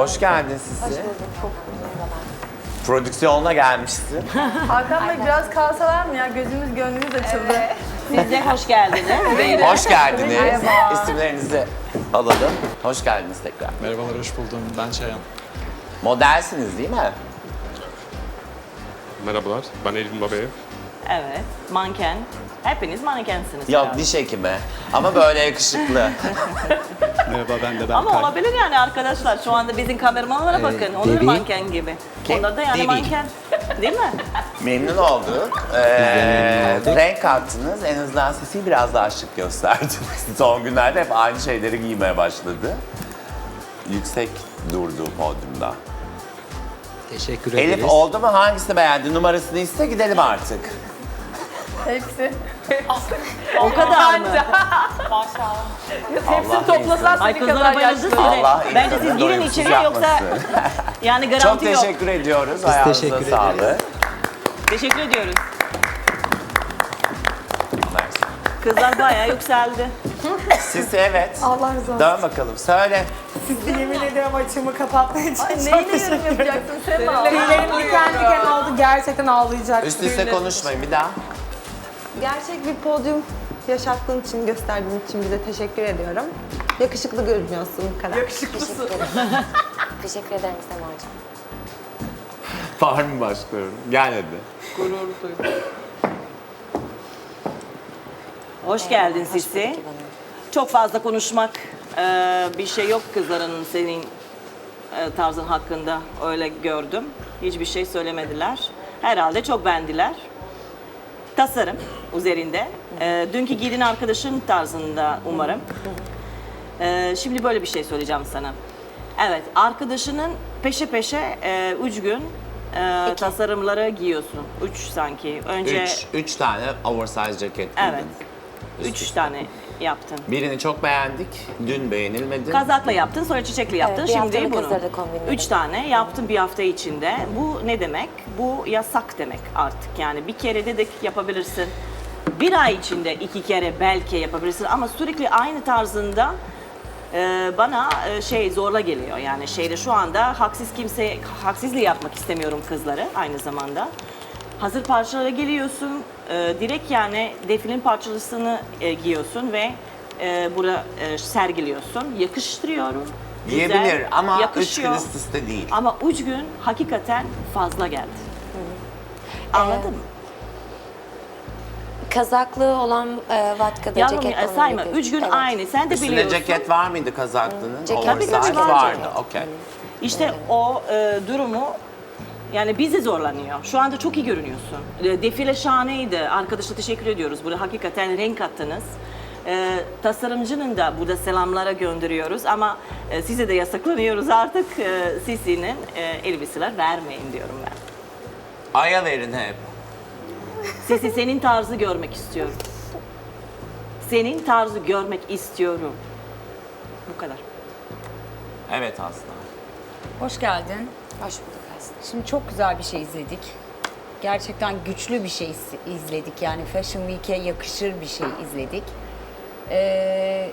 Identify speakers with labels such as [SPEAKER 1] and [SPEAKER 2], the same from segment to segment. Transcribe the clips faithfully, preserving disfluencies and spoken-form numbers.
[SPEAKER 1] Hoş geldin Sisi.
[SPEAKER 2] Hoş bulduk. Çok
[SPEAKER 1] Prodüksiyonla gelmişsin.
[SPEAKER 3] Hakan Bey biraz kalsalar mı ya? Gözümüz gönlümüz açıldı.
[SPEAKER 4] Siz de hoş geldiniz.
[SPEAKER 1] Hoş geldiniz.
[SPEAKER 3] Merhaba.
[SPEAKER 1] İsimlerinizi alalım. Hoş geldiniz tekrar.
[SPEAKER 5] Merhabalar, hoş buldum. Ben Çayan.
[SPEAKER 1] Modelsiniz değil mi?
[SPEAKER 6] Merhabalar, ben Elvin Babayev.
[SPEAKER 4] Evet, manken. Hepiniz mankensiniz.
[SPEAKER 1] Yok,
[SPEAKER 4] herhalde.
[SPEAKER 1] diş hekimi. Ama böyle yakışıklı.
[SPEAKER 5] Merhaba, ben de ben
[SPEAKER 4] Ama
[SPEAKER 5] Kay.
[SPEAKER 4] olabilir yani arkadaşlar. Şu anda bizim kameramanlara bakın. Onlar
[SPEAKER 7] Devi.
[SPEAKER 4] manken gibi.
[SPEAKER 1] Kim?
[SPEAKER 4] Onlar da yani
[SPEAKER 1] Devi.
[SPEAKER 4] manken. Değil mi?
[SPEAKER 1] Memnun olduk. Ee,
[SPEAKER 7] memnun olduk.
[SPEAKER 1] renk kattınız. En azından Sisi'yi biraz daha şık gösterdiniz. Son günlerde hep aynı şeyleri giymeye başladı. Yüksek durdu podyumda.
[SPEAKER 7] Teşekkür ederiz.
[SPEAKER 1] Elif oldu mu? Hangisini beğendi? Numarasını iste gidelim artık.
[SPEAKER 3] Hepsi.
[SPEAKER 4] O kadar mı?
[SPEAKER 3] Hepsini
[SPEAKER 1] Allah
[SPEAKER 3] toplasan
[SPEAKER 4] Ay
[SPEAKER 3] seni
[SPEAKER 4] kızlara
[SPEAKER 3] kadar
[SPEAKER 4] bayıldı
[SPEAKER 3] yaşlı.
[SPEAKER 1] Allah
[SPEAKER 4] size. Bence siz
[SPEAKER 1] insanı
[SPEAKER 4] girin
[SPEAKER 1] doyumsuz
[SPEAKER 4] içeriye yoksa
[SPEAKER 1] yapmasın.
[SPEAKER 4] yani
[SPEAKER 1] Çok
[SPEAKER 4] garanti yok.
[SPEAKER 1] teşekkür ediyoruz. Ayağınıza
[SPEAKER 7] teşekkür
[SPEAKER 1] sağlık.
[SPEAKER 7] ederiz.
[SPEAKER 4] Teşekkür ediyoruz.
[SPEAKER 1] Mersi.
[SPEAKER 4] Kızlar bayağı yükseldi.
[SPEAKER 1] Sisi evet.
[SPEAKER 3] Allah razı olsun.
[SPEAKER 1] Dön bakalım söyle.
[SPEAKER 3] Sizi yemin ediyorum açımı kapatmaya için. Ay
[SPEAKER 2] çok
[SPEAKER 3] neyle
[SPEAKER 2] teşekkür
[SPEAKER 3] yorum yapacaksın Sema? Tüylerim diken diken oldu. Gerçekten ağlayacak.
[SPEAKER 1] Üst üste konuşmayın bir daha.
[SPEAKER 2] Gerçek bir podyum yaşattığın için, gösterdiğin için bize teşekkür ediyorum. Yakışıklı görünüyorsun bu kadar.
[SPEAKER 3] Yakışıklısın.
[SPEAKER 8] Teşekkür ederim Semacığım.
[SPEAKER 1] Var mı başlıyorum? Gel hadi.
[SPEAKER 4] Hoş geldin Sisi. Çok fazla konuşmak e, bir şey yok kızların senin e, tarzın hakkında öyle gördüm. Hiçbir şey söylemediler. Herhalde çok beğendiler. Tasarım üzerinde. E, dünkü giydiğin arkadaşın tarzında umarım. E, şimdi böyle bir şey söyleyeceğim sana. Evet, arkadaşının peşe peşe e, üç gün e, tasarımları giyiyorsun. Üç sanki. Önce
[SPEAKER 1] Üç, üç tane oversize ceket giydin.
[SPEAKER 4] evet.
[SPEAKER 1] Üst
[SPEAKER 4] Üç
[SPEAKER 1] üste.
[SPEAKER 4] tane yaptın.
[SPEAKER 1] Birini çok beğendik. Dün beğenilmedi.
[SPEAKER 4] Kazakla yaptın, sonra çiçekli yaptın.
[SPEAKER 8] Evet, bir
[SPEAKER 4] Şimdi
[SPEAKER 8] haftalık
[SPEAKER 4] bunu.
[SPEAKER 8] hazırlık kombinledim.
[SPEAKER 4] Üç tane yaptın bir hafta içinde. Bu ne demek? Bu yasak demek artık. Yani bir kere dedik yapabilirsin. Bir ay içinde iki kere belki yapabilirsin ama sürekli aynı tarzında e, bana e, şey zorla geliyor. Yani şeyde şu anda haksız kimse haksızlığı yapmak istemiyorum kızları aynı zamanda. Hazır parçalara geliyorsun, e, direkt yani defilin parçasını e, giyiyorsun ve e, burada e, sergiliyorsun. Yakıştırıyorum. güzel,
[SPEAKER 1] Yiyebilir ama üç
[SPEAKER 4] yakışıyor.
[SPEAKER 1] gün üst üste değil.
[SPEAKER 4] Ama üç gün hakikaten fazla geldi. Anladın mı?
[SPEAKER 8] Kazaklı olan e, vatkada
[SPEAKER 4] Yavrum
[SPEAKER 8] ceket
[SPEAKER 4] e, sayma.
[SPEAKER 8] kombinledim.
[SPEAKER 4] Üç gün
[SPEAKER 8] Evet.
[SPEAKER 4] aynı. Sen de
[SPEAKER 1] Üstünde
[SPEAKER 4] biliyorsun.
[SPEAKER 1] ceket var mıydı kazaklının?
[SPEAKER 8] Ceket-
[SPEAKER 1] Oversize
[SPEAKER 8] Tabii, tabii, var
[SPEAKER 1] vardı.
[SPEAKER 8] ceket.
[SPEAKER 1] Okey.
[SPEAKER 4] İşte o e, durumu yani bizi zorlanıyor. Şu anda çok iyi görünüyorsun. E, defile şahaneydi. Arkadaşa teşekkür ediyoruz. Burada hakikaten renk attınız. E, tasarımcının da burada selamlara gönderiyoruz ama e, size de yasaklanıyoruz artık. E, Sisi'nin e, elbiseler vermeyin diyorum ben.
[SPEAKER 1] Aya verin hep.
[SPEAKER 4] Sisi senin tarzı görmek istiyorum. Senin tarzı görmek istiyorum. Bu kadar.
[SPEAKER 1] Evet Aslı.
[SPEAKER 9] Hoş geldin.
[SPEAKER 8] Hoş bulduk aslında.
[SPEAKER 9] Şimdi çok güzel bir şey izledik. Gerçekten güçlü bir şey iz- izledik. Yani Fashion Week'e yakışır bir şey izledik. Ee,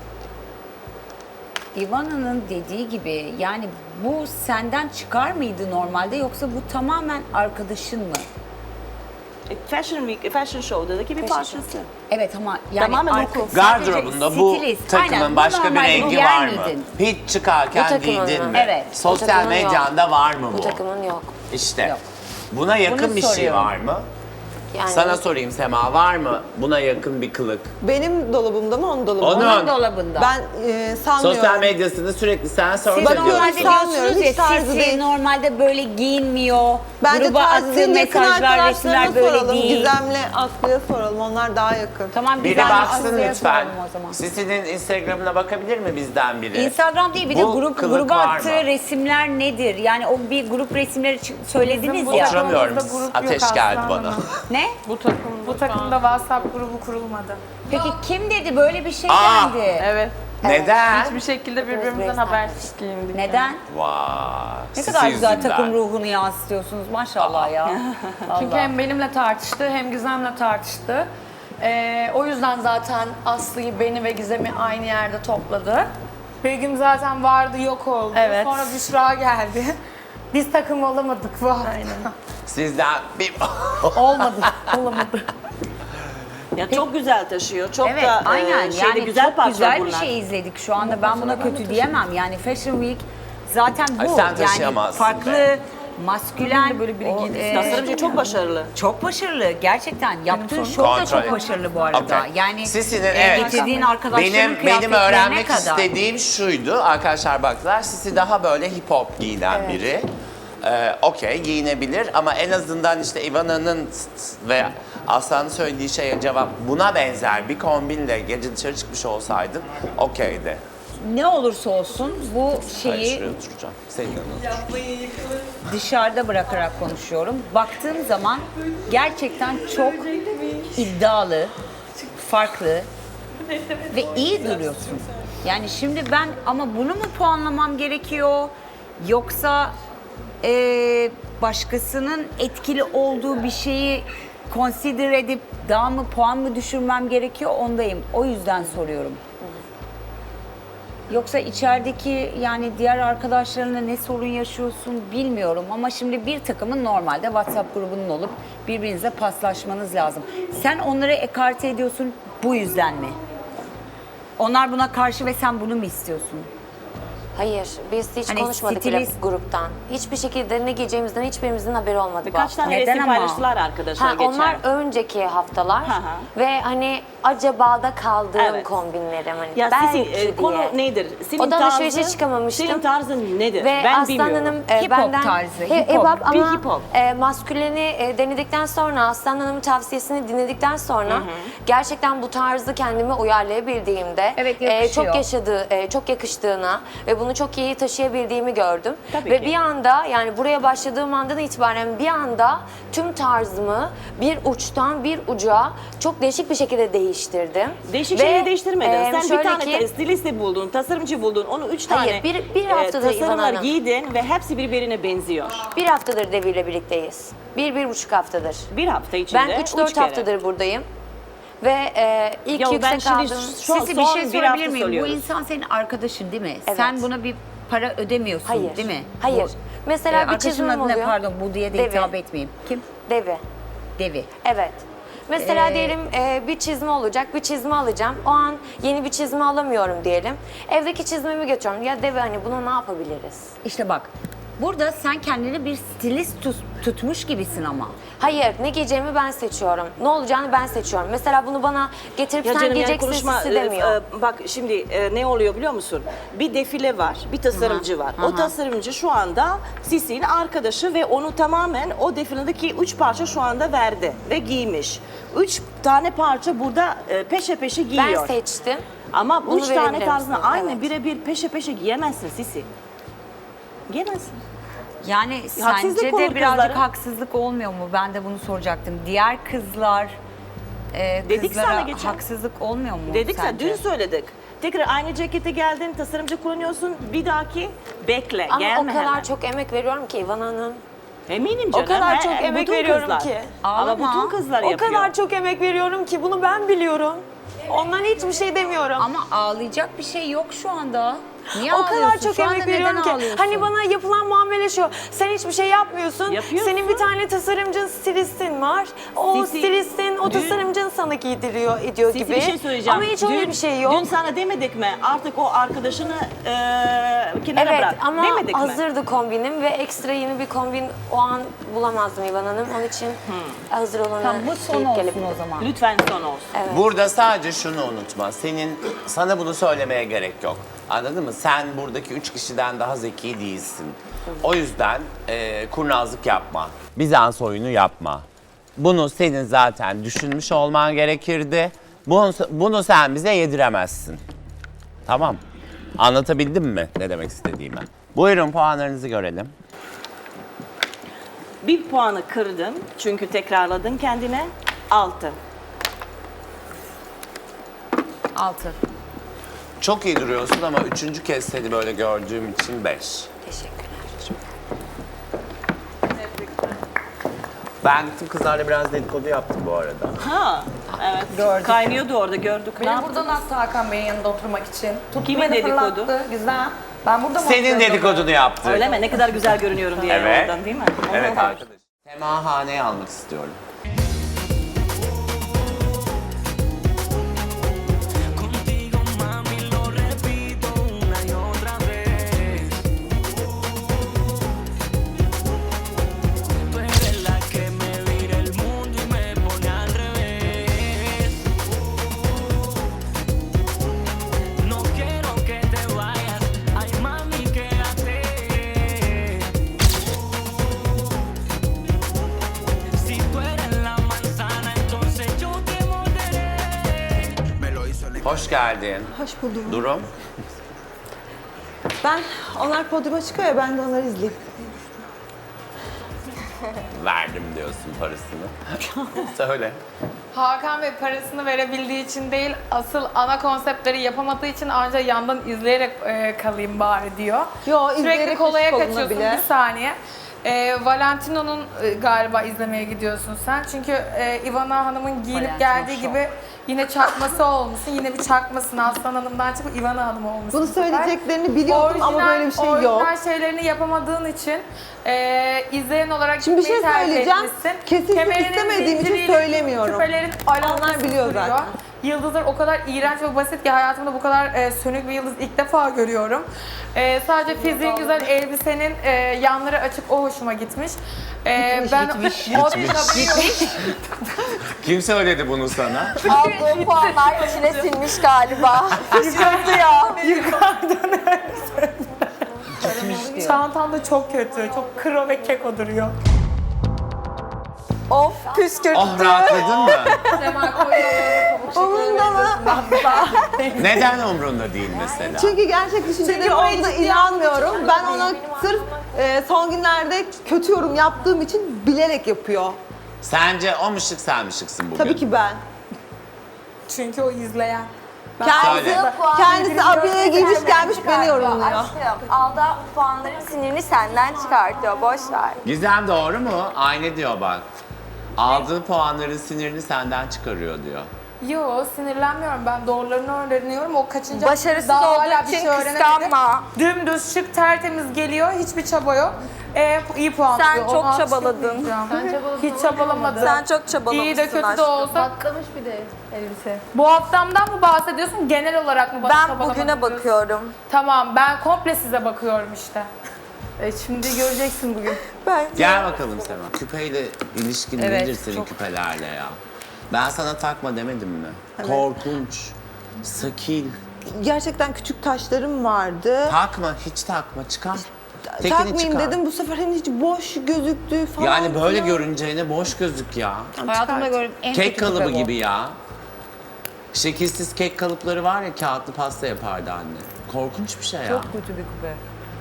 [SPEAKER 9] Ivana'nın dediği gibi yani bu senden çıkar mıydı normalde yoksa bu tamamen arkadaşın mı?
[SPEAKER 4] E, Fashion Week, Fashion Show'daki bir parçası.
[SPEAKER 9] Evet ama yani
[SPEAKER 4] Tamamen
[SPEAKER 9] arka-
[SPEAKER 4] look.
[SPEAKER 9] sadece
[SPEAKER 1] Gardırobunda bu
[SPEAKER 9] stilist.
[SPEAKER 1] takımın
[SPEAKER 9] Aynen, bu
[SPEAKER 1] başka bir
[SPEAKER 9] normalde
[SPEAKER 1] rengi
[SPEAKER 9] giyer
[SPEAKER 1] var mı?
[SPEAKER 9] miydin?
[SPEAKER 1] Hiç çıkarken
[SPEAKER 8] Bu takımın
[SPEAKER 1] giydin
[SPEAKER 8] mı?
[SPEAKER 1] mi?
[SPEAKER 9] Evet.
[SPEAKER 8] Bu
[SPEAKER 1] Sosyal
[SPEAKER 8] takımın yok.
[SPEAKER 1] medyanda var mı bu?
[SPEAKER 8] Bu takımın yok.
[SPEAKER 1] İşte.
[SPEAKER 9] Yok.
[SPEAKER 1] Buna yakın
[SPEAKER 9] Bunu
[SPEAKER 1] bir şey
[SPEAKER 9] soruyorum.
[SPEAKER 1] var mı?
[SPEAKER 8] Yani
[SPEAKER 1] Sana sorayım Sema, var mı buna yakın bir kılık?
[SPEAKER 2] Benim dolabımda mı, onun dolabında mı?
[SPEAKER 1] Onun.
[SPEAKER 9] Onun dolabında.
[SPEAKER 2] Ben e, sanmıyorum.
[SPEAKER 1] Sosyal medyasını sürekli sen
[SPEAKER 9] Siz
[SPEAKER 1] sorma
[SPEAKER 2] Bakıyorum,
[SPEAKER 1] diyorsun.
[SPEAKER 9] normalde
[SPEAKER 2] sanmıyorum,
[SPEAKER 9] diyorsunuz ya
[SPEAKER 2] hiç tarzı
[SPEAKER 9] Sisi
[SPEAKER 2] değil.
[SPEAKER 9] normalde böyle giyinmiyor.
[SPEAKER 2] Bence
[SPEAKER 9] Gruba
[SPEAKER 2] tarzı
[SPEAKER 9] attığı
[SPEAKER 2] değil, yakın
[SPEAKER 9] mesajlar,
[SPEAKER 2] arkadaşlarına
[SPEAKER 9] resimler böyle
[SPEAKER 2] soralım.
[SPEAKER 9] değil.
[SPEAKER 2] Gizem'le Aslı'ya soralım, onlar daha yakın.
[SPEAKER 9] Tamam
[SPEAKER 1] Biri
[SPEAKER 9] güzel
[SPEAKER 1] baksın
[SPEAKER 9] Aslı'ya
[SPEAKER 1] lütfen.
[SPEAKER 9] soralım o zaman.
[SPEAKER 1] Sisi'nin Instagram'ına bakabilir mi bizden biri?
[SPEAKER 9] Instagram değil bir de
[SPEAKER 1] Bu
[SPEAKER 9] grup
[SPEAKER 1] kılık
[SPEAKER 9] gruba
[SPEAKER 1] var
[SPEAKER 9] attığı
[SPEAKER 1] mı?
[SPEAKER 9] resimler nedir? Yani o bir grup resimleri çı- söylediniz
[SPEAKER 3] Bizim
[SPEAKER 9] ya.
[SPEAKER 3] bu-
[SPEAKER 1] Oturamıyorum.
[SPEAKER 3] Grup yok
[SPEAKER 1] Ateş
[SPEAKER 3] Aslı
[SPEAKER 1] geldi
[SPEAKER 3] Hanım.
[SPEAKER 1] bana.
[SPEAKER 9] Ne?
[SPEAKER 3] Bu takım, bu takımda WhatsApp grubu kurulmadı.
[SPEAKER 9] Peki kim dedi böyle bir şey
[SPEAKER 1] Aa!
[SPEAKER 9] geldi?
[SPEAKER 3] Evet.
[SPEAKER 1] Neden?
[SPEAKER 3] Hiçbir şekilde birbirimizden habersiz giyindik.
[SPEAKER 9] Neden?
[SPEAKER 1] Vay.
[SPEAKER 9] Ne
[SPEAKER 1] Sisi
[SPEAKER 9] kadar güzel
[SPEAKER 1] yüzünden.
[SPEAKER 9] takım ruhunu yansıtıyorsunuz maşallah ya.
[SPEAKER 3] Çünkü
[SPEAKER 9] Vallahi.
[SPEAKER 3] hem benimle tartıştı hem Gizem'le tartıştı. Ee, o yüzden zaten Aslı'yı, beni ve Gizem'i aynı yerde topladı. Begüm zaten vardı yok oldu.
[SPEAKER 4] Evet.
[SPEAKER 3] Sonra Büşra geldi. Biz takım olamadık bu hafta.
[SPEAKER 1] Sizden bir...
[SPEAKER 3] Olmadı. Olamadı.
[SPEAKER 4] Ya çok güzel taşıyor. Çok
[SPEAKER 9] Evet,
[SPEAKER 4] da e,
[SPEAKER 9] aynen.
[SPEAKER 4] şeyde
[SPEAKER 9] Yani
[SPEAKER 4] güzel
[SPEAKER 9] çok
[SPEAKER 4] parçalar
[SPEAKER 9] güzel bir
[SPEAKER 4] bunlar.
[SPEAKER 9] şey izledik şu anda. Ben buna kötü diyemem. Yani Fashion Week zaten bu.
[SPEAKER 1] Ay, sen
[SPEAKER 9] yani
[SPEAKER 1] taşıyamazsın
[SPEAKER 9] farklı,
[SPEAKER 1] be.
[SPEAKER 9] maskülen. Böyle biri
[SPEAKER 4] Tasarımcı çok başarılı.
[SPEAKER 9] Çok başarılı. Gerçekten yaptığın şov da
[SPEAKER 1] Kontrol
[SPEAKER 9] çok
[SPEAKER 1] et.
[SPEAKER 9] başarılı bu arada.
[SPEAKER 1] Okey.
[SPEAKER 9] Yani
[SPEAKER 1] Sisi'nin,
[SPEAKER 9] e,
[SPEAKER 1] evet.
[SPEAKER 9] getirdiğin arkadaşların
[SPEAKER 1] Benim, benim
[SPEAKER 9] kıyafetlerine
[SPEAKER 1] öğrenmek
[SPEAKER 9] kadar.
[SPEAKER 1] istediğim şuydu. Arkadaşlar baktılar, Sisi daha böyle hip hop giyinen biri. Ee, Okey, giyinebilir ama en azından işte Ivana'nın ve Aslan'ın söylediği şeye cevap buna benzer bir kombinle gece dışarı çıkmış olsaydın okeydi.
[SPEAKER 9] Ne olursa olsun bu
[SPEAKER 1] Hayır,
[SPEAKER 9] şeyi
[SPEAKER 1] şuraya oturacağım. Senin yanına oturacağım.
[SPEAKER 9] dışarıda bırakarak konuşuyorum. Baktığım zaman gerçekten çok iddialı, farklı ve iyi duruyorsun. Yani şimdi ben ama bunu mu puanlamam gerekiyor yoksa eee, başkasının etkili olduğu bir şeyi consider edip daha mı puan mı düşürmem gerekiyor ondayım. O yüzden soruyorum. Yoksa içerideki yani diğer arkadaşlarına ne sorun yaşıyorsun bilmiyorum ama şimdi bir takımın normalde WhatsApp grubunun olup birbirinize paslaşmanız lazım. Sen onları ekarte ediyorsun bu yüzden mi? Onlar buna karşı ve sen bunu mu istiyorsun?
[SPEAKER 8] Hayır, biz hiç
[SPEAKER 9] Hani
[SPEAKER 8] konuşmadık bile
[SPEAKER 9] stilist-
[SPEAKER 8] gruptan. Hiçbir şekilde ne giyeceğimizden hiçbirimizin haberi olmadı bu
[SPEAKER 4] Birkaç
[SPEAKER 8] hafta.
[SPEAKER 4] tane
[SPEAKER 9] Neden
[SPEAKER 4] resim
[SPEAKER 9] ama?
[SPEAKER 4] paylaştılar arkadaşlar
[SPEAKER 8] Ha,
[SPEAKER 4] geçen.
[SPEAKER 8] onlar önceki haftalar
[SPEAKER 4] Hı hı.
[SPEAKER 8] ve hani acaba da kaldığım
[SPEAKER 4] Evet.
[SPEAKER 8] kombinlerim hani
[SPEAKER 4] Ya
[SPEAKER 8] belki
[SPEAKER 4] Sisi, e,
[SPEAKER 8] diye.
[SPEAKER 4] konu nedir? Senin
[SPEAKER 8] Odan
[SPEAKER 4] tarzın,
[SPEAKER 8] alışverişe çıkamamıştım.
[SPEAKER 4] Senin tarzın nedir?
[SPEAKER 8] Ve
[SPEAKER 4] ben
[SPEAKER 8] Aslan
[SPEAKER 4] bilmiyorum.
[SPEAKER 8] Hanım e,
[SPEAKER 9] Hip hop
[SPEAKER 8] benden
[SPEAKER 9] tarzı,
[SPEAKER 8] He-
[SPEAKER 9] hip hop.
[SPEAKER 8] ama
[SPEAKER 4] Bir hip hop.
[SPEAKER 8] E, masküleni e, denedikten sonra Aslan Hanım'ın tavsiyesini dinledikten sonra gerçekten bu tarzı kendime uyarlayabildiğimde
[SPEAKER 9] Evet,
[SPEAKER 8] e,
[SPEAKER 9] yakışıyor.
[SPEAKER 8] çok yaşadığı e, çok yakıştığına ve bunu çok iyi taşıyabildiğimi gördüm.
[SPEAKER 4] Tabii
[SPEAKER 8] ve
[SPEAKER 4] ki.
[SPEAKER 8] bir anda yani buraya başladığım andan itibaren bir anda tüm tarzımı bir uçtan bir uca çok değişik bir şekilde değiştirdim.
[SPEAKER 4] Değişik
[SPEAKER 8] Ve,
[SPEAKER 4] şeyleri değiştirmedin.
[SPEAKER 8] e,
[SPEAKER 4] Sen bir
[SPEAKER 8] şöyle
[SPEAKER 4] tane
[SPEAKER 8] ki-
[SPEAKER 4] ta- stilisti buldun, tasarımcı buldun, onu üç
[SPEAKER 8] Hayır,
[SPEAKER 4] tane
[SPEAKER 8] bir- bir haftadır İvan
[SPEAKER 4] tasarımlar
[SPEAKER 8] Hanım.
[SPEAKER 4] giydin ve hepsi birbirine benziyor.
[SPEAKER 8] Bir haftadır Devi ile birlikteyiz. Bir, bir buçuk haftadır.
[SPEAKER 4] Bir hafta içinde
[SPEAKER 8] Ben üç dört
[SPEAKER 4] kere.
[SPEAKER 8] haftadır buradayım. Ve e, ilk
[SPEAKER 4] Ya ben
[SPEAKER 8] yüksek
[SPEAKER 4] şimdi
[SPEAKER 8] aldığım...
[SPEAKER 4] şu an
[SPEAKER 9] Sisi bir
[SPEAKER 4] son
[SPEAKER 9] şey
[SPEAKER 4] bir
[SPEAKER 9] sorabilir
[SPEAKER 4] hafta
[SPEAKER 9] miyim? Bu
[SPEAKER 4] söylüyoruz.
[SPEAKER 9] insan senin arkadaşın değil mi?
[SPEAKER 8] Evet.
[SPEAKER 9] Sen buna bir para ödemiyorsun
[SPEAKER 8] Hayır.
[SPEAKER 9] değil mi?
[SPEAKER 8] Hayır.
[SPEAKER 9] Bu-
[SPEAKER 8] Mesela
[SPEAKER 9] Ee,
[SPEAKER 8] bir
[SPEAKER 9] arkadaşının
[SPEAKER 8] çizimim
[SPEAKER 9] adı ne?
[SPEAKER 8] oluyor.
[SPEAKER 9] Pardon bu diye de
[SPEAKER 8] Devi.
[SPEAKER 9] hitap etmeyeyim. Kim?
[SPEAKER 8] Devi.
[SPEAKER 9] Devi.
[SPEAKER 8] Evet. Mesela
[SPEAKER 9] Ee,
[SPEAKER 8] diyelim e, bir çizme olacak, bir çizme alacağım. O an yeni bir çizme alamıyorum diyelim. Evdeki çizmemi götürüyorum. Ya Devi hani buna ne yapabiliriz?
[SPEAKER 9] İşte bak burada sen kendini bir stilist tut- tutmuş gibisin ama.
[SPEAKER 8] Hayır, ne giyeceğimi ben seçiyorum. Ne olacağını ben seçiyorum. Mesela bunu bana getirip
[SPEAKER 4] Ya
[SPEAKER 8] sen
[SPEAKER 4] canım yani
[SPEAKER 8] giyeceksin
[SPEAKER 4] konuşma,
[SPEAKER 8] Sisi demiyor.
[SPEAKER 4] e, e, bak şimdi e, ne oluyor biliyor musun? Bir defile var, bir tasarımcı var. O tasarımcı şu anda Sisi'nin arkadaşı ve onu tamamen o defiledeki üç parça şu anda verdi ve giymiş. Üç tane parça burada e, peşe peşe
[SPEAKER 8] ben
[SPEAKER 4] giyiyor.
[SPEAKER 8] seçtim.
[SPEAKER 4] Ama
[SPEAKER 8] Bunu
[SPEAKER 4] üç tane
[SPEAKER 8] verebilir
[SPEAKER 4] tarzını
[SPEAKER 8] misin?
[SPEAKER 4] aynı
[SPEAKER 8] Evet.
[SPEAKER 4] birebir peşe peşe giyemezsin Sisi. Giyemezsin.
[SPEAKER 9] Yani
[SPEAKER 4] Haksızlık
[SPEAKER 9] sence
[SPEAKER 4] olur
[SPEAKER 9] de birazcık
[SPEAKER 4] kızlara.
[SPEAKER 9] haksızlık olmuyor mu? Ben de bunu soracaktım. Diğer kızlar e,
[SPEAKER 4] Dedik
[SPEAKER 9] kızlara
[SPEAKER 4] sana geçen.
[SPEAKER 9] haksızlık olmuyor mu
[SPEAKER 4] Dedik sen,
[SPEAKER 9] sence?
[SPEAKER 4] dün söyledik. Tekrar aynı cekete geldin, tasarımcı kullanıyorsun. Bir dahaki bekle,
[SPEAKER 8] Ama
[SPEAKER 4] gelme
[SPEAKER 8] o kadar
[SPEAKER 4] hemen.
[SPEAKER 8] çok emek veriyorum ki İvan Hanım.
[SPEAKER 4] Eminim
[SPEAKER 8] O
[SPEAKER 4] canım.
[SPEAKER 8] kadar
[SPEAKER 4] he,
[SPEAKER 8] çok
[SPEAKER 4] he,
[SPEAKER 8] emek
[SPEAKER 4] bütün
[SPEAKER 8] veriyorum
[SPEAKER 4] kızlar.
[SPEAKER 8] ki.
[SPEAKER 4] Ama
[SPEAKER 9] Ağlama.
[SPEAKER 4] bütün kızlar
[SPEAKER 8] O
[SPEAKER 4] yapıyor.
[SPEAKER 8] kadar çok emek veriyorum ki bunu ben biliyorum. Ondan hiçbir şey demiyorum.
[SPEAKER 9] Ama ağlayacak bir şey yok şu anda. Niye
[SPEAKER 8] o
[SPEAKER 9] ağlıyorsun?
[SPEAKER 8] kadar çok
[SPEAKER 9] Şu anda
[SPEAKER 8] emek
[SPEAKER 9] neden
[SPEAKER 8] veriyorum ki.
[SPEAKER 9] ağlıyorsun?
[SPEAKER 8] Hani bana yapılan muamele şu. Sen hiçbir şey yapmıyorsun.
[SPEAKER 4] Yapıyorsun.
[SPEAKER 8] Senin bir tane tasarımcın, stilistin var. O
[SPEAKER 4] Sisi,
[SPEAKER 8] stilistin, o
[SPEAKER 4] dün-
[SPEAKER 8] tasarımcın sana giydiriyor, ediyor
[SPEAKER 4] Sisi
[SPEAKER 8] gibi.
[SPEAKER 4] bir şey söyleyeceğim.
[SPEAKER 8] Ama hiç öyle
[SPEAKER 4] Dün-
[SPEAKER 8] bir şey yok.
[SPEAKER 4] Dün sana demedik mi? Artık o arkadaşını e, kenara
[SPEAKER 8] Evet
[SPEAKER 4] bırak.
[SPEAKER 8] ama
[SPEAKER 4] demedik mi?
[SPEAKER 8] hazırdı kombinim ve ekstra yeni bir kombin o an bulamazdım İvan Hanım. Onun için hazır olanı
[SPEAKER 9] Tamam, bu son
[SPEAKER 8] giyip
[SPEAKER 9] olsun
[SPEAKER 8] gelip-
[SPEAKER 9] o zaman.
[SPEAKER 4] Lütfen son olsun.
[SPEAKER 1] Burada sadece şunu unutma. Senin, sana bunu söylemeye gerek yok. Anladın mı? Sen buradaki üç kişiden daha zeki değilsin. O yüzden e, kurnazlık yapma. Bizans oyunu yapma. Bunu senin zaten düşünmüş olman gerekirdi. Bunu, bunu sen bize yediremezsin. Tamam. Anlatabildim mi ne demek istediğimi? Buyurun puanlarınızı görelim.
[SPEAKER 4] Bir puanı kırdın çünkü tekrarladın kendine. Altı.
[SPEAKER 9] Altı.
[SPEAKER 1] Çok iyi duruyorsun ama üçüncü kez seni böyle gördüğüm için beş.
[SPEAKER 8] Teşekkürler.
[SPEAKER 1] Ben gittim kızlarla biraz dedikodu yaptım bu arada.
[SPEAKER 4] Ha. Evet.
[SPEAKER 9] Gördük.
[SPEAKER 4] Kaynıyordu orada gördük. Ne
[SPEAKER 3] Beni
[SPEAKER 4] yaptın?
[SPEAKER 3] buradan attı Hakan Bey'in yanında oturmak için. Tuttu
[SPEAKER 4] Kimin
[SPEAKER 3] beni
[SPEAKER 4] dedikodu?
[SPEAKER 3] fırlattı. Güzel. Ben burada mı
[SPEAKER 1] Senin
[SPEAKER 3] oturuyordum?
[SPEAKER 1] dedikodunu yaptı.
[SPEAKER 4] Öyle mi? Ne kadar güzel görünüyorum diye
[SPEAKER 1] Evet.
[SPEAKER 4] oradan değil mi?
[SPEAKER 1] Evet arkadaş. Sema Hane'yi almak istiyorum.
[SPEAKER 6] Contigo, mami, lo repito una y otra vez. Tú eres la que me vira el mundo y me pone al revés. No quiero que te vayas, ay mami, quédate. Si tú eres la manzana, entonces yo te morderé. Me lo hizo el
[SPEAKER 1] Hoş geldin.
[SPEAKER 2] Hoş buldum.
[SPEAKER 1] Durum.
[SPEAKER 2] Ben, onlar podyuma çıkıyor ya, ben de onları izleyeyim.
[SPEAKER 1] Verdim diyorsun parasını. Söyle.
[SPEAKER 3] Hakan Bey parasını verebildiği için değil, asıl ana konseptleri yapamadığı için ancak yandan izleyerek e, kalayım bari diyor.
[SPEAKER 2] Yo,
[SPEAKER 3] Sürekli
[SPEAKER 2] izleyerek
[SPEAKER 3] kolaya
[SPEAKER 2] hiç
[SPEAKER 3] kaçıyorsun.
[SPEAKER 2] olunabilir.
[SPEAKER 3] Bir saniye. E, Valentino'nun e, galiba izlemeye gidiyorsun sen. Çünkü e, Ivana Hanım'ın giyinip
[SPEAKER 9] Valentino
[SPEAKER 3] geldiği
[SPEAKER 9] Show.
[SPEAKER 3] gibi yine çakması olmuşsun. Yine bir çakmasın Aslan Hanım'dan çıkıp Ivana Hanım olmuşsun.
[SPEAKER 2] Bunu
[SPEAKER 3] bu sefer.
[SPEAKER 2] söyleyeceklerini biliyordum ama böyle bir şey yok.
[SPEAKER 3] Orijinal şeylerini yapamadığın için e, izleyen olarak
[SPEAKER 2] Şimdi bir
[SPEAKER 3] gitmeyi
[SPEAKER 2] şey
[SPEAKER 3] tercih
[SPEAKER 2] söyleyeceğim.
[SPEAKER 3] etmişsin.
[SPEAKER 2] Kesinlikle
[SPEAKER 3] Kemerinin
[SPEAKER 2] istemediğim için
[SPEAKER 3] zinciriyle
[SPEAKER 2] söylemiyorum.
[SPEAKER 3] Küpelerin alakası
[SPEAKER 2] Onlar biliyor
[SPEAKER 3] duruyor.
[SPEAKER 2] zaten.
[SPEAKER 3] Yıldızlar o kadar iğrenç ve basit ki hayatımda bu kadar e, sönük bir yıldız ilk defa görüyorum. E, sadece fiziğin güzel, elbisenin e, yanları açık, o hoşuma gitmiş. E, ben
[SPEAKER 9] gitmiş.
[SPEAKER 3] o gitmiş.
[SPEAKER 1] Kim söyledi bunu sana?
[SPEAKER 8] Aldığı puanlar içine sinmiş galiba. Sıkıntı ya.
[SPEAKER 3] Çantam da çok kötü, çok kro ve keko duruyor.
[SPEAKER 8] Of püskürttü.
[SPEAKER 1] Oh rahatladın mı?
[SPEAKER 2] Umurumda mı?
[SPEAKER 1] Neden umrunda değil mesela?
[SPEAKER 2] Çünkü gerçek düşünceleri olduğuna inanmıyorum. Ben ona sırf e, son günlerde kötü yorum yaptığım için bilerek yapıyor.
[SPEAKER 1] Sence o mu şık sen mi şıksın bugün?
[SPEAKER 2] Tabii ki ben.
[SPEAKER 3] Çünkü o izleyen.
[SPEAKER 2] Kendisi,
[SPEAKER 1] Söyle.
[SPEAKER 2] kendisi abiye giymiş gelmiş beni yorumluyor.
[SPEAKER 8] Aşkım aldığı puanların sinirini senden çıkartıyor. Boş ver.
[SPEAKER 1] Gizem doğru mu? Aynı diyor bak. Aldığı puanların sinirini senden çıkarıyor diyor.
[SPEAKER 3] Yo, sinirlenmiyorum, ben doğrularını öğreniyorum. O kaçıncı
[SPEAKER 8] Başarısız
[SPEAKER 3] daha
[SPEAKER 8] olduğu
[SPEAKER 3] hala bir
[SPEAKER 8] için
[SPEAKER 3] şey öğrenemedi.
[SPEAKER 8] kıskanma.
[SPEAKER 3] Dümdüz şık tertemiz geliyor, hiçbir çaba yok. Ee, iyi puan
[SPEAKER 8] Sen
[SPEAKER 3] alıyor.
[SPEAKER 8] çok
[SPEAKER 3] Ona
[SPEAKER 8] çabaladın.
[SPEAKER 3] alkışlamayacağım. Hiç çabalamadım.
[SPEAKER 8] Sen çok çabalamışsın
[SPEAKER 3] İyi de kötü de
[SPEAKER 8] aşkım.
[SPEAKER 3] olsa.
[SPEAKER 10] Patlamış bir de elbise.
[SPEAKER 3] Bu haftamdan mı bahsediyorsun, genel olarak mı?
[SPEAKER 8] Ben
[SPEAKER 3] çabalamadım
[SPEAKER 8] bugüne
[SPEAKER 3] diyorsun?
[SPEAKER 8] bakıyorum.
[SPEAKER 3] Tamam, ben komple size bakıyorum işte. E şimdi göreceksin bugün.
[SPEAKER 1] Gel bakalım Sema. Küpeyle ilişkin
[SPEAKER 9] Evet,
[SPEAKER 1] nedir senin
[SPEAKER 9] çok.
[SPEAKER 1] küpelerle ya? Ben sana takma demedim mi? Korkunç, sakil.
[SPEAKER 2] Gerçekten küçük taşlarım vardı.
[SPEAKER 1] Takma, hiç takma. Çıkar. Tekini
[SPEAKER 2] Takmayayım
[SPEAKER 1] çıkar.
[SPEAKER 2] dedim, bu sefer hani hiç boş gözüktü falan.
[SPEAKER 1] Yani böyle
[SPEAKER 2] filan.
[SPEAKER 1] görüneceğine boş gözük ya.
[SPEAKER 9] Hayatımda gördüğüm en
[SPEAKER 1] Kek
[SPEAKER 9] kötü
[SPEAKER 1] kalıbı
[SPEAKER 9] küpe bu.
[SPEAKER 1] gibi ya. Şekilsiz kek kalıpları var ya, kağıtlı pasta yapardı anne. Korkunç bir şey ya.
[SPEAKER 9] Çok kötü bir küpe.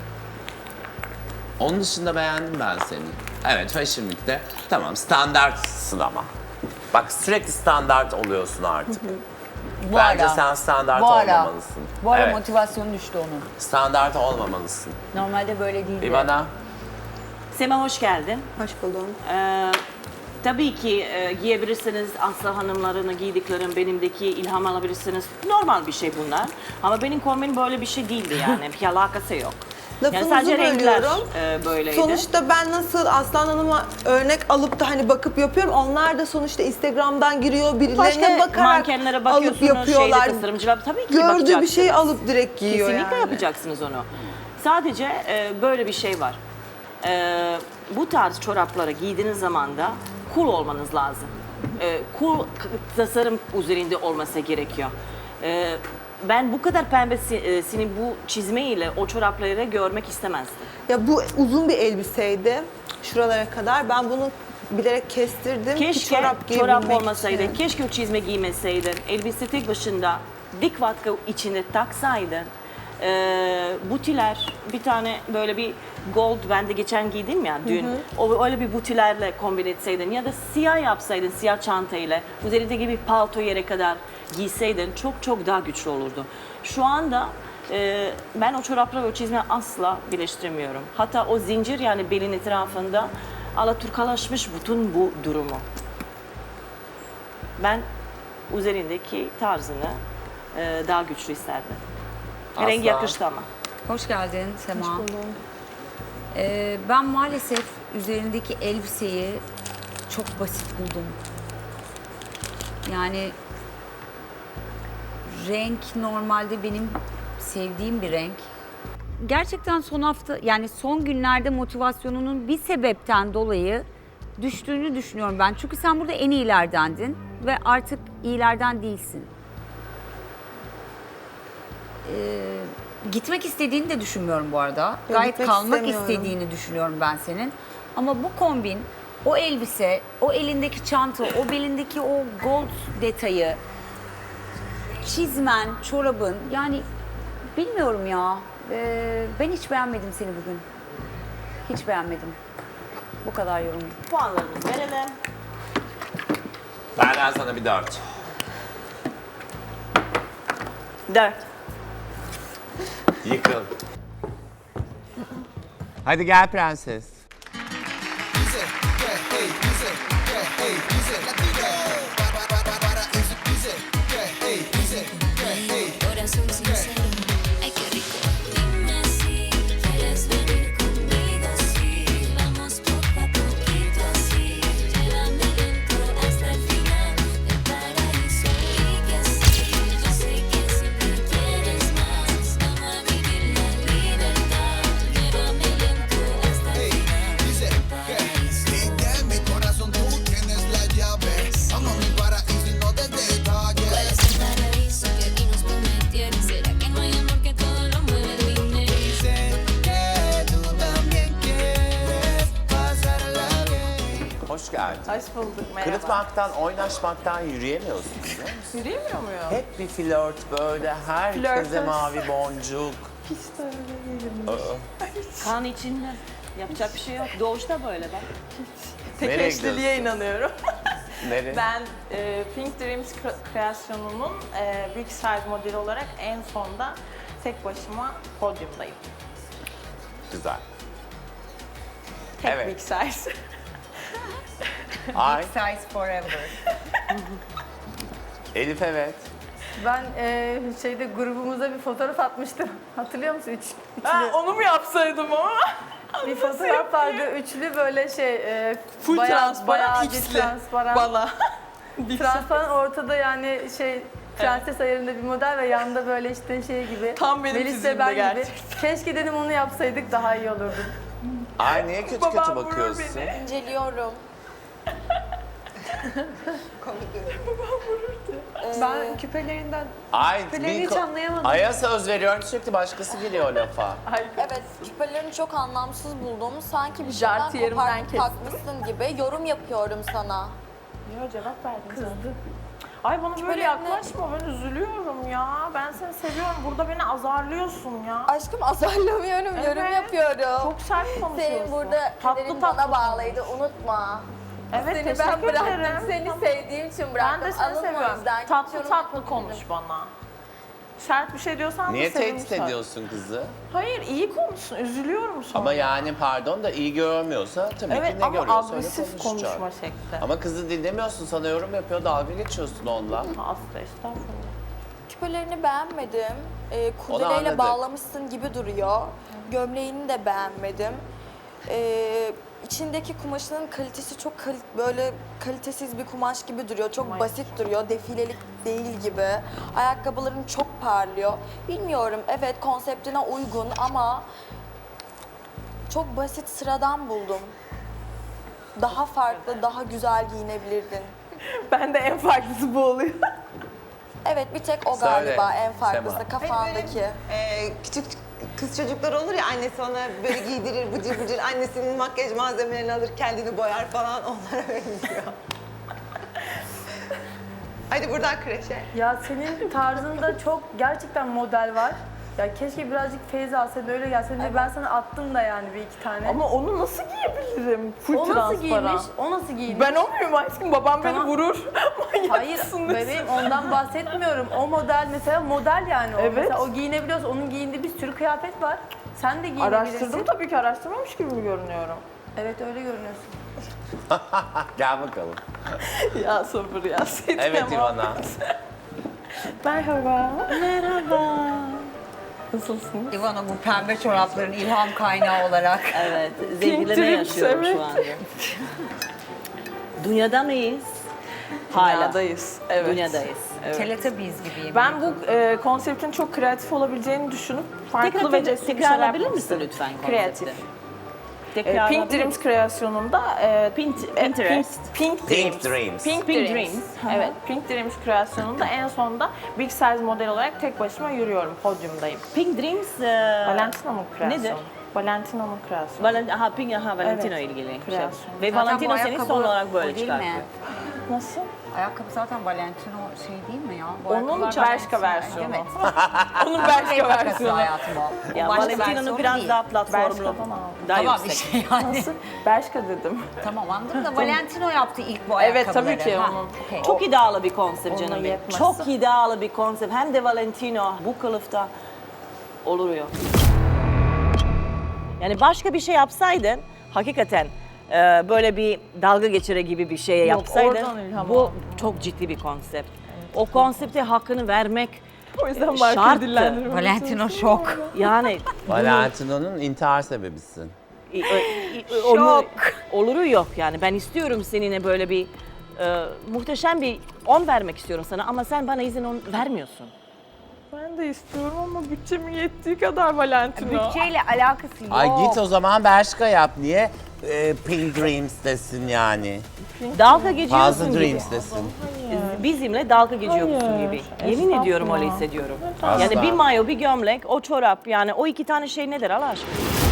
[SPEAKER 1] Onun dışında beğendim ben seni. Evet, Fashion Week'te tamam standartsın ama. Bak sürekli standart oluyorsun artık.
[SPEAKER 9] Bu
[SPEAKER 1] Bence
[SPEAKER 9] ara.
[SPEAKER 1] sen standart
[SPEAKER 9] Bu ara.
[SPEAKER 1] olmamalısın.
[SPEAKER 9] Bu ara
[SPEAKER 1] Evet,
[SPEAKER 9] motivasyonu düştü onun.
[SPEAKER 1] standart olmamalısın.
[SPEAKER 9] Normalde böyle değildi.
[SPEAKER 1] İvana,
[SPEAKER 4] Sema hoş geldin.
[SPEAKER 2] Hoş buldum.
[SPEAKER 4] Ee, tabii ki e, giyebilirsiniz. Aslı hanımlarını giydiklerim benimdeki ilham alabilirsiniz. Normal bir şey bunlar. Ama benim kombinim böyle bir şey değildi yani. Bir alakası yok. Yani
[SPEAKER 2] Lafınızı
[SPEAKER 4] sadece renkler
[SPEAKER 2] bölüyorum.
[SPEAKER 4] e, böyleydi.
[SPEAKER 2] Sonuçta ben nasıl Aslan Hanım'a örnek alıp da hani bakıp yapıyorum. Onlar da sonuçta Instagram'dan giriyor, birilerine
[SPEAKER 4] Başka
[SPEAKER 2] bakarak
[SPEAKER 4] mankenlere
[SPEAKER 2] alıp
[SPEAKER 4] bakıyorsunuz,
[SPEAKER 2] yapıyorlar.
[SPEAKER 4] şeyde tasarımcılar tabii ki
[SPEAKER 2] Gördüğü bir
[SPEAKER 4] bakacaksınız.
[SPEAKER 2] şeyi alıp direkt giyiyor
[SPEAKER 4] Kesinlikle
[SPEAKER 2] yani.
[SPEAKER 4] yapacaksınız onu. Sadece e, böyle bir şey var. E, bu tarz çorapları giydiğiniz zaman da cool olmanız lazım. E, cool k- tasarım üzerinde olması gerekiyor. E, ben bu kadar pembesini bu çizmeyle o çorapları görmek istemezdim.
[SPEAKER 2] Ya bu uzun bir elbiseydi şuralara kadar. Ben bunu bilerek kestirdim ki
[SPEAKER 4] Keşke
[SPEAKER 2] çorap
[SPEAKER 4] çorap,
[SPEAKER 2] giyebilmek
[SPEAKER 4] olmasaydı,
[SPEAKER 2] için.
[SPEAKER 4] keşke o çizme giymeseydin, elbise tek başında dik vatka içinde taksaydın. Ee, butiler, bir tane böyle bir gold, ben de geçen giydim ya dün, o öyle bir butilerle kombin etseydin ya da siyah yapsaydın, siyah çantayla, üzerindeki bir palto yere kadar giyseydin çok çok daha güçlü olurdu. Şu anda e, ben o çorapla ve o çizmeyi asla birleştiremiyorum. Hatta o zincir yani belin etrafında alaturkalaşmış bütün bu durumu. Ben üzerindeki tarzını e, daha güçlü isterdim.
[SPEAKER 1] Aslan.
[SPEAKER 4] Rengi yakıştı ama.
[SPEAKER 9] Hoş geldin Sema. Ee, ben maalesef üzerindeki elbiseyi çok basit buldum. Yani renk normalde benim sevdiğim bir renk. Gerçekten son hafta yani son günlerde motivasyonunun bir sebepten dolayı düştüğünü düşünüyorum ben. Çünkü sen burada en iyilerdendin ve artık iyilerden değilsin. Ee, gitmek istediğini de düşünmüyorum bu arada. Gayet
[SPEAKER 2] gitmek
[SPEAKER 9] kalmak
[SPEAKER 2] istemiyorum.
[SPEAKER 9] istediğini düşünüyorum ben senin. Ama bu kombin, o elbise, o elindeki çanta, o belindeki o gold detayı, çizmen, çorabın yani bilmiyorum ya. Ee, ben hiç beğenmedim seni bugün. Hiç beğenmedim. Bu kadar yorum.
[SPEAKER 4] Puanlarımızı verelim.
[SPEAKER 1] Benden sana bir dört.
[SPEAKER 4] Dört.
[SPEAKER 1] Yıkıl. Hadi gel prenses.
[SPEAKER 11] Corazón sincero, ay qué rico. Dime si quieres venir conmigo, sí. Vamos poco a poquito así. Llévame lento hasta el final del paraíso. Y que sí, yo sé que siempre quieres más. Vamos a vivir la libertad. Llévame lento hasta el final del paraíso.
[SPEAKER 6] En mi corazón tú tienes la llave. Vamos a mi paraíso y no de detalles.
[SPEAKER 11] ¿Cuál es el paraíso que aquí nos prometieron? ¿Será que no hay amor que todo lo mueve el dinero?
[SPEAKER 6] Sé que tú también quieres pasarla bien.
[SPEAKER 1] Hoş geldin.
[SPEAKER 3] Hoş bulduk, merhaba.
[SPEAKER 1] Kırıtmaktan, oynaşmaktan yürüyemiyorsun biliyor musun?
[SPEAKER 3] Yürüyemiyor muyum?
[SPEAKER 1] Hep bir flört böyle, herkese
[SPEAKER 3] Flörtöz.
[SPEAKER 1] mavi boncuk.
[SPEAKER 4] Kan içinde. Yapacak bir şey yok. Doğuşta böyle bak.
[SPEAKER 3] Tek
[SPEAKER 1] Nereye
[SPEAKER 3] eşliliğe
[SPEAKER 1] gidiyorsun?
[SPEAKER 3] inanıyorum.
[SPEAKER 1] Nereye?
[SPEAKER 3] Ben e, Pink Dreams kre- kreasyonumun e, Big Size modeli olarak en sonda tek başıma podyumdayım.
[SPEAKER 1] Güzel.
[SPEAKER 3] Tek
[SPEAKER 1] Evet.
[SPEAKER 3] Big Size.
[SPEAKER 1] Ay,
[SPEAKER 9] Size forever.
[SPEAKER 1] Elif evet.
[SPEAKER 10] Ben e, şeyde grubumuza bir fotoğraf atmıştım. Hatırlıyor musun? Üç,
[SPEAKER 3] Ha,
[SPEAKER 10] üçlü.
[SPEAKER 3] onu mu yapsaydım ama?
[SPEAKER 10] Bir fotoğraf vardı. Üçlü böyle şey e,
[SPEAKER 3] Full
[SPEAKER 10] bayağı,
[SPEAKER 3] transparan,
[SPEAKER 10] bayağı bir
[SPEAKER 3] X'li.
[SPEAKER 10] transparan.
[SPEAKER 3] Bana.
[SPEAKER 10] Transparan ortada yani şey prenses ayarında bir model ve yanında böyle işte şey gibi.
[SPEAKER 3] Tam benim
[SPEAKER 10] Melis
[SPEAKER 3] fiziğimde
[SPEAKER 10] Seber gibi.
[SPEAKER 3] gerçekten.
[SPEAKER 10] Keşke dedim onu yapsaydık daha iyi olurdu.
[SPEAKER 1] Ay niye kötü
[SPEAKER 3] Babam
[SPEAKER 1] kötü
[SPEAKER 3] vurur
[SPEAKER 1] bakıyorsun?
[SPEAKER 3] beni.
[SPEAKER 8] İnceliyorum.
[SPEAKER 2] Ben küpelerinden
[SPEAKER 1] Ay,
[SPEAKER 2] Küpelerini
[SPEAKER 1] bir
[SPEAKER 2] hiç
[SPEAKER 1] ko-
[SPEAKER 2] anlayamadım.
[SPEAKER 1] Ay'a söz veriyorum sürekli başkası giriyor lafa.
[SPEAKER 8] Evet, küpelerini çok anlamsız buldum. Sanki bir
[SPEAKER 3] Jartı
[SPEAKER 8] şeyden
[SPEAKER 3] yerimden
[SPEAKER 8] kopartıp
[SPEAKER 3] kestim.
[SPEAKER 8] takmışsın gibi yorum yapıyorum sana.
[SPEAKER 3] Yo, cevap verdin. Kızdı. Ay bana böyle
[SPEAKER 8] Küpelerini-
[SPEAKER 3] yaklaşma, ben üzülüyorum ya. Ben seni seviyorum, burada beni azarlıyorsun ya.
[SPEAKER 8] Aşkım azarlamıyorum, yorum
[SPEAKER 3] Evet.
[SPEAKER 8] yapıyorum.
[SPEAKER 3] Çok sert konuşuyorsun.
[SPEAKER 8] Senin burada kaderin bana bağlıydı, unutma.
[SPEAKER 3] Evet,
[SPEAKER 8] Seni
[SPEAKER 3] teşekkür
[SPEAKER 8] ben bıraktım,
[SPEAKER 3] ederim.
[SPEAKER 8] seni
[SPEAKER 3] Tamam.
[SPEAKER 8] sevdiğim için
[SPEAKER 3] Ben
[SPEAKER 8] bıraktım.
[SPEAKER 3] de seni
[SPEAKER 8] Alınma o
[SPEAKER 3] seviyorum.
[SPEAKER 8] yüzden.
[SPEAKER 3] Tatlı
[SPEAKER 8] Yorum
[SPEAKER 3] tatlı
[SPEAKER 8] yapabilirim.
[SPEAKER 3] konuş bana. Sert bir şey diyorsan
[SPEAKER 1] Niye
[SPEAKER 3] da sevimli
[SPEAKER 1] tehdit
[SPEAKER 3] söyle.
[SPEAKER 1] ediyorsun kızı?
[SPEAKER 3] Hayır, iyi konuşsun, üzülüyorum sonra.
[SPEAKER 1] Ama yani pardon da iyi görmüyorsa tabii
[SPEAKER 3] Evet
[SPEAKER 1] ki ne
[SPEAKER 3] ama
[SPEAKER 1] görüyorsa öyle
[SPEAKER 3] agresif
[SPEAKER 1] konuşacak.
[SPEAKER 3] konuşma şekli.
[SPEAKER 1] Ama kızı dinlemiyorsun, sana yorum yapıyor, dalga geçiyorsun onunla.
[SPEAKER 3] Asla, estağfurullah.
[SPEAKER 8] Küpelerini beğenmedim. Ee,
[SPEAKER 1] Onu
[SPEAKER 8] kurdeleyle
[SPEAKER 1] anladık.
[SPEAKER 8] bağlamışsın gibi duruyor. Gömleğini de beğenmedim. Ee, içindeki kumaşının kalitesi çok kal- böyle kalitesiz bir kumaş gibi duruyor. Çok basit duruyor. Defilelik değil gibi. Ayakkabıların çok parlıyor. Bilmiyorum. Evet konseptine uygun ama çok basit, sıradan buldum. Daha farklı, daha güzel giyinebilirdin.
[SPEAKER 3] Ben de en farklısı bu oluyor.
[SPEAKER 8] Evet bir tek o
[SPEAKER 1] Söyle,
[SPEAKER 8] galiba en farklısı
[SPEAKER 1] Sema.
[SPEAKER 8] kafandaki.
[SPEAKER 2] Ee, küçük kız çocuklar olur ya annesi ona böyle giydirir bıcır bıcır annesinin makyaj malzemelerini alır kendini boyar falan onlara benziyor. Hadi buradan kreşe.
[SPEAKER 10] Ya senin tarzında çok gerçekten model var. Ya keşke birazcık feyiz alsaydın öyle gelseydin de ben sana attım da yani bir iki tane.
[SPEAKER 3] Ama onu nasıl giyebilirim? Full
[SPEAKER 10] o nasıl
[SPEAKER 3] transparan.
[SPEAKER 10] giymiş? O nasıl giymiş?
[SPEAKER 3] Ben o muyum aşkım? Babam
[SPEAKER 10] Tamam.
[SPEAKER 3] beni vurur. Manyak
[SPEAKER 10] Hayır
[SPEAKER 3] mısın
[SPEAKER 10] bebeğim
[SPEAKER 3] desin.
[SPEAKER 10] ondan bahsetmiyorum. O model mesela model yani o.
[SPEAKER 3] Evet.
[SPEAKER 10] Mesela o giyinebiliyorsa onun giyindiği bir sürü kıyafet var. Sen de giyinebilirsin.
[SPEAKER 3] Araştırdım tabii ki, araştırmamış gibi mi görünüyorum?
[SPEAKER 10] Evet öyle görünüyorsun.
[SPEAKER 1] Gel bakalım.
[SPEAKER 3] Ya sabır ya.
[SPEAKER 1] Evet İvana.
[SPEAKER 3] Merhaba. Merhaba. Nasılsın?
[SPEAKER 9] İvana bu pembe çorapların ilham kaynağı olarak.
[SPEAKER 4] Evet, zevklerine
[SPEAKER 3] Dreams,
[SPEAKER 4] yaşıyorum
[SPEAKER 3] evet.
[SPEAKER 4] şu anda. Dünyada mıyız? Hala.
[SPEAKER 3] Dünyadayız. Evet.
[SPEAKER 4] Dünyadayız.
[SPEAKER 3] Evet.
[SPEAKER 9] Teletubbies gibiyim.
[SPEAKER 3] Ben bu e, konseptin çok kreatif olabileceğini düşünüp farklı
[SPEAKER 4] Tekrar,
[SPEAKER 3] ve
[SPEAKER 4] tekrar,
[SPEAKER 3] cesur bir şeyler
[SPEAKER 4] tekrarlayabilir
[SPEAKER 3] yapmak
[SPEAKER 4] misin
[SPEAKER 3] istedim.
[SPEAKER 4] lütfen konsepti?
[SPEAKER 3] Kreatif. E,
[SPEAKER 4] Tekrarlayabilir
[SPEAKER 3] Pink Dreams kreasyonunda e,
[SPEAKER 4] Pint-
[SPEAKER 3] e,
[SPEAKER 4] Pinterest.
[SPEAKER 3] Pink, Pink
[SPEAKER 1] Pink
[SPEAKER 3] Dreams.
[SPEAKER 1] Dreams.
[SPEAKER 3] Pink,
[SPEAKER 4] Pink
[SPEAKER 3] Dreams.
[SPEAKER 4] Dreams.
[SPEAKER 3] Evet, Pink Dreams kreasyonunda en sonunda Big Size model olarak tek başıma yürüyorum, podyumdayım.
[SPEAKER 4] Pink Dreams... E,
[SPEAKER 3] Valentino'nun kreasyonu.
[SPEAKER 4] Nedir?
[SPEAKER 3] Valentino'nun kreasyonu.
[SPEAKER 4] Valent aha, Pink, aha, Valentino
[SPEAKER 3] Evet,
[SPEAKER 4] ilgili. Şey.
[SPEAKER 3] kreasyon.
[SPEAKER 4] Ve
[SPEAKER 9] Zaten
[SPEAKER 4] Valentino
[SPEAKER 9] bu
[SPEAKER 4] seni
[SPEAKER 9] ayakkabı
[SPEAKER 4] son olarak böyle
[SPEAKER 9] o değil mi?
[SPEAKER 4] çıkartıyor.
[SPEAKER 3] Nasıl?
[SPEAKER 9] Ayakkabı zaten Valentino şey değil mi ya? Bu
[SPEAKER 3] Onun
[SPEAKER 9] ayakkabılar
[SPEAKER 3] Bershka
[SPEAKER 9] Valentino,
[SPEAKER 3] versiyonu.
[SPEAKER 9] Evet.
[SPEAKER 3] Onun
[SPEAKER 9] Renk
[SPEAKER 3] Bershka
[SPEAKER 9] makası
[SPEAKER 3] versiyonu.
[SPEAKER 9] hayatım o.
[SPEAKER 4] Ya
[SPEAKER 9] Başka
[SPEAKER 4] Valentino'nun
[SPEAKER 9] versiyonu
[SPEAKER 4] biraz
[SPEAKER 9] değil.
[SPEAKER 4] daha platformlu.
[SPEAKER 3] Bershka'dan aldım.
[SPEAKER 4] Daha
[SPEAKER 9] Tamam bir
[SPEAKER 4] yüksek.
[SPEAKER 9] şey yani.
[SPEAKER 3] Nasıl? Bershka dedim.
[SPEAKER 9] Tamam anladım da Valentino yaptı ilk bu
[SPEAKER 3] Evet,
[SPEAKER 9] ayakkabıları.
[SPEAKER 3] tabii ki
[SPEAKER 9] Ha,
[SPEAKER 3] onun.
[SPEAKER 9] okey.
[SPEAKER 4] Çok idealı bir konsept
[SPEAKER 3] Onunla
[SPEAKER 4] canım benim.
[SPEAKER 3] yetmez.
[SPEAKER 4] Çok idealı bir konsept. Hem de Valentino bu kılıfta oluyor. Yani başka bir şey yapsaydın hakikaten e, böyle bir dalga geçire gibi bir şey yapsaydın
[SPEAKER 3] oradan ilham
[SPEAKER 4] bu
[SPEAKER 3] aldım.
[SPEAKER 4] çok ciddi bir konsept. O konsepte hakkını vermek
[SPEAKER 3] O yüzden
[SPEAKER 4] e,
[SPEAKER 3] Mark'ı
[SPEAKER 4] şarttı.
[SPEAKER 3] dillendirmem.
[SPEAKER 9] Valentino şok.
[SPEAKER 4] Yani
[SPEAKER 1] Valentino'nun intihar sebebisin.
[SPEAKER 4] i- i- i- onu, oluru yok yani. Ben istiyorum seninle böyle bir e, muhteşem bir on vermek istiyorum sana ama sen bana izin on vermiyorsun.
[SPEAKER 3] Ben de istiyorum ama bütçemin yettiği kadar Valentino.
[SPEAKER 9] Bütçeyle alakası yok.
[SPEAKER 1] Ay git o zaman Bershka yap. Niye e, Pink Dreams desin yani?
[SPEAKER 4] Dalga geçiyorsun
[SPEAKER 1] Fazla
[SPEAKER 4] gibi.
[SPEAKER 1] Dreams desin.
[SPEAKER 4] Bizimle dalga geçiyorsun
[SPEAKER 3] Hayır,
[SPEAKER 4] gibi. Yemin ediyorum öyle
[SPEAKER 3] estağfurullah.
[SPEAKER 4] hissediyorum.
[SPEAKER 1] Asla.
[SPEAKER 4] Yani bir mayo, bir gömlek, o çorap yani o iki tane şey nedir Allah aşkına?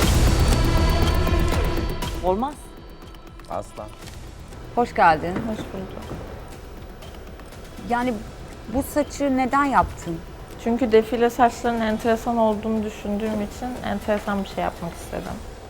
[SPEAKER 4] Olmaz.
[SPEAKER 1] Asla.
[SPEAKER 9] Hoş geldin.
[SPEAKER 3] Hoş bulduk.
[SPEAKER 9] Yani bu saçı neden yaptın?
[SPEAKER 3] Çünkü defile saçlarının enteresan olduğunu düşündüğüm için enteresan bir şey yapmak istedim.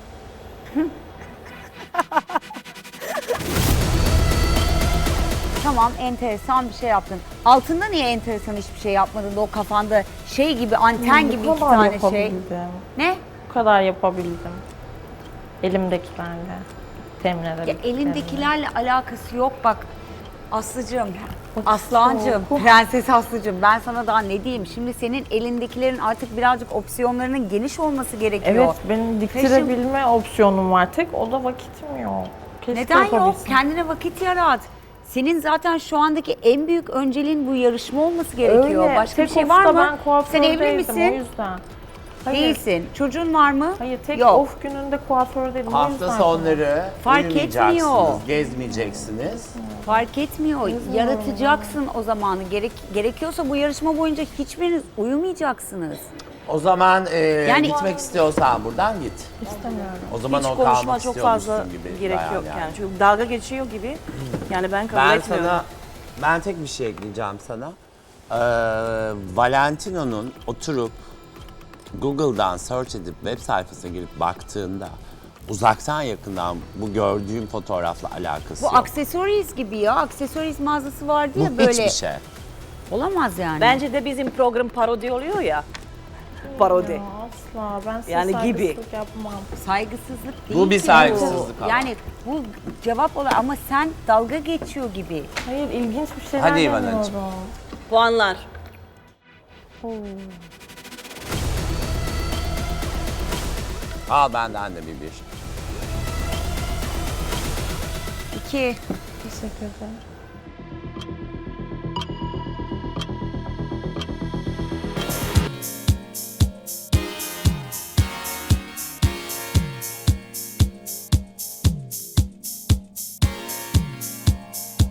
[SPEAKER 9] Tamam enteresan bir şey yaptın. Altında niye enteresan hiçbir şey yapmadın da o kafanda şey gibi anten gibi
[SPEAKER 3] Bu
[SPEAKER 9] iki
[SPEAKER 3] kadar
[SPEAKER 9] tane şey.
[SPEAKER 3] yapabildim.
[SPEAKER 9] Ne?
[SPEAKER 3] Bu kadar yapabildim. Elimdekilerle temin
[SPEAKER 9] Ya
[SPEAKER 3] edebildim.
[SPEAKER 9] elindekilerle alakası yok bak. Aslıcığım, Aslancığım,
[SPEAKER 3] çok-
[SPEAKER 9] Prenses Aslıcığım ben sana daha ne diyeyim? Şimdi senin elindekilerin artık birazcık opsiyonlarının geniş olması gerekiyor.
[SPEAKER 3] Evet, benim diktirebilme opsiyonum var. Tek o da vakitim yok. Keşke
[SPEAKER 9] Neden yok?
[SPEAKER 3] yapabilsem.
[SPEAKER 9] Kendine vakit yarat. Senin zaten şu andaki en büyük önceliğin bu yarışma olması gerekiyor.
[SPEAKER 3] Öyle.
[SPEAKER 9] Başka
[SPEAKER 3] Tek
[SPEAKER 9] bir şey
[SPEAKER 3] ofta
[SPEAKER 9] var mı?
[SPEAKER 3] Ben
[SPEAKER 9] Sen
[SPEAKER 3] kuafördeydim,
[SPEAKER 9] evli misin?
[SPEAKER 3] O yüzden. Hayır.
[SPEAKER 9] Değilsin. Çocuğun var mı?
[SPEAKER 3] Hayır, tek
[SPEAKER 9] Yok.
[SPEAKER 3] off gününde kuafördeydim. O
[SPEAKER 1] Hafta
[SPEAKER 3] yüzden
[SPEAKER 1] sonları
[SPEAKER 9] Fark
[SPEAKER 1] uyumayacaksınız,
[SPEAKER 9] etmiyor.
[SPEAKER 1] gezmeyeceksiniz.
[SPEAKER 9] Fark etmiyor. Yaratacaksın o zamanı. Gerek, gerekiyorsa bu yarışma boyunca hiçbiriniz uyumayacaksınız.
[SPEAKER 1] O zaman e,
[SPEAKER 9] Yani-
[SPEAKER 1] gitmek istiyorsan buradan git.
[SPEAKER 3] istemiyorum.
[SPEAKER 1] O zaman
[SPEAKER 4] Hiç
[SPEAKER 1] o
[SPEAKER 4] konuşma
[SPEAKER 1] kalmak
[SPEAKER 4] çok
[SPEAKER 1] istiyormuşsun
[SPEAKER 4] fazla
[SPEAKER 1] gibi.
[SPEAKER 4] gerek
[SPEAKER 1] bayağı
[SPEAKER 4] yok yani. Çünkü dalga geçiyor gibi. Yani ben kabul
[SPEAKER 1] Ben
[SPEAKER 4] etmiyorum.
[SPEAKER 1] sana, ben tek bir şey ekleyeceğim sana. Ee, Valentino'nun oturup Google'dan search edip web sayfasına girip baktığında uzaktan yakından bu gördüğüm fotoğrafla alakası
[SPEAKER 9] Bu
[SPEAKER 1] yok.
[SPEAKER 9] aksesuariz gibi ya. Aksesuariz mağazası vardı
[SPEAKER 1] Bu
[SPEAKER 9] ya böyle.
[SPEAKER 1] hiçbir şey.
[SPEAKER 9] Olamaz yani.
[SPEAKER 4] Bence de bizim program parodi oluyor ya. Parodi.
[SPEAKER 3] Ya asla. Ben size
[SPEAKER 4] Yani gibi.
[SPEAKER 3] saygısızlık yapmam.
[SPEAKER 9] Saygısızlık değil
[SPEAKER 1] Bu bir
[SPEAKER 9] ki
[SPEAKER 1] saygısızlık ama.
[SPEAKER 9] Yani bu cevap olarak ama sen dalga geçiyor gibi.
[SPEAKER 3] Hayır, ilginç bir şeyler
[SPEAKER 1] Hadi
[SPEAKER 3] demiyorum.
[SPEAKER 1] İvanacığım.
[SPEAKER 4] Puanlar.
[SPEAKER 1] Al benden de bir bir.
[SPEAKER 9] İki.
[SPEAKER 3] Teşekkür ederim.